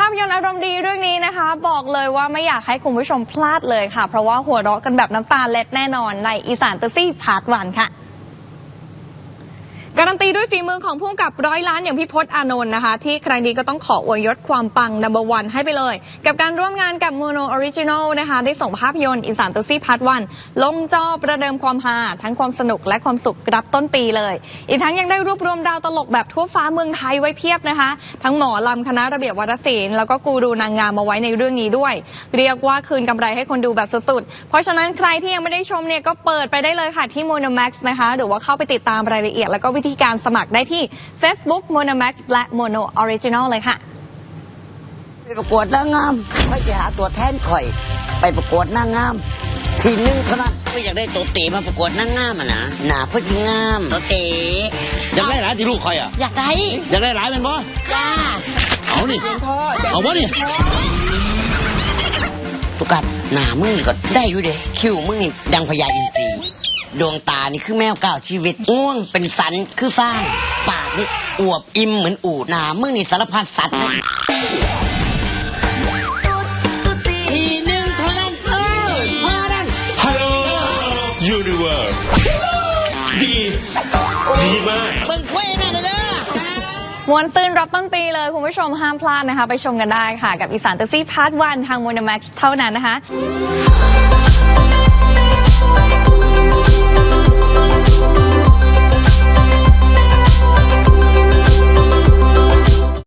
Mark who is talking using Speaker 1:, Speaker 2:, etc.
Speaker 1: าพยนตร์อารมณ์ดีเรื่องนี้นะคะบอกเลยว่าไม่อยากให้คุณผู้ชมพลาดเลยค่ะเพราะว่าหัวเราะกันแบบน้ำตาเล็ดแน่นอนในอีสานตุซี่พาร์ท 1ค่ะการันตีด้วยฝีมือของผู้กำกับร้อยล้านอย่างพี่พจน์อานนท์นะคะที่ครั้งนี้ก็ต้องขออวยยศความปังนัมเบอร์วันให้ไปเลยกับการร่วมงานกับโมโนออริจินอลนะคะได้ส่งภาพยนตร์อีสานตุซี่พาร์ท 1ลงจอประเดิมความฮาทั้งความสนุกและความสุขรับต้นปีเลยอีกทั้งยังได้รวบรวมดาวตลกแบบทั่วฟ้าเมืองไทยไว้เพียบนะคะทั้งหมอลำคณะระเบียบวรรณศิลป์แล้วก็กูรูนางงามมาไว้ในเรื่องนี้ด้วยเรียกว่าคืนกำไรให้คนดูแบบสุดๆเพราะฉะนั้นใครที่ยังไม่ได้ชมเนี่ยก็เปิดไปได้เลยค่ะที่ Monomax นะคะหรือว่าเข้าไปติดตามรายละเอียดแล้วก็วิธีการสมัครได้ที่ Facebook Monomax และ Mono Original เลยค่ะ
Speaker 2: ไปประกวดนางงามไม่จะหาตัวแทนข่อยไปประกวดนางงามทีนึงเท่านั้นก็อยากได้ตัวเต๋มาประกวดนางงามนะหนาเพื่องามตัวเต๋
Speaker 3: อยากได้หลายที่ลูกคอยอ่ะ
Speaker 2: อยากได้
Speaker 3: หลายเป็นบ่
Speaker 2: จ้า
Speaker 3: เอานี่เอาบ่นี่
Speaker 2: สุกัดหนามึงก็ได้อยู่เด้คิ้วมึงนี่ดังพญาอินทรีดวงตานี่คือแมวก้าวชีวิตง่วงเป็นสันคือสร้างปากนี่อวบอิ่มเหมือนอูดหนามึงนี่สารพัดสัตว์ทีนึงเท่านั้นพอนั้น
Speaker 3: ฮัลโหลยูนิเวิร์สดีมาก
Speaker 2: เบิ่งคุยแม่เด้อ
Speaker 1: มวนซื่นรับต้นปีเลยคุณผู้ชมห้ามพลาดนะคะไปชมกันได้ค่ะกับอีสานตุซี่พาร์ท 1ทาง Monomax เท่านั้นนะคะ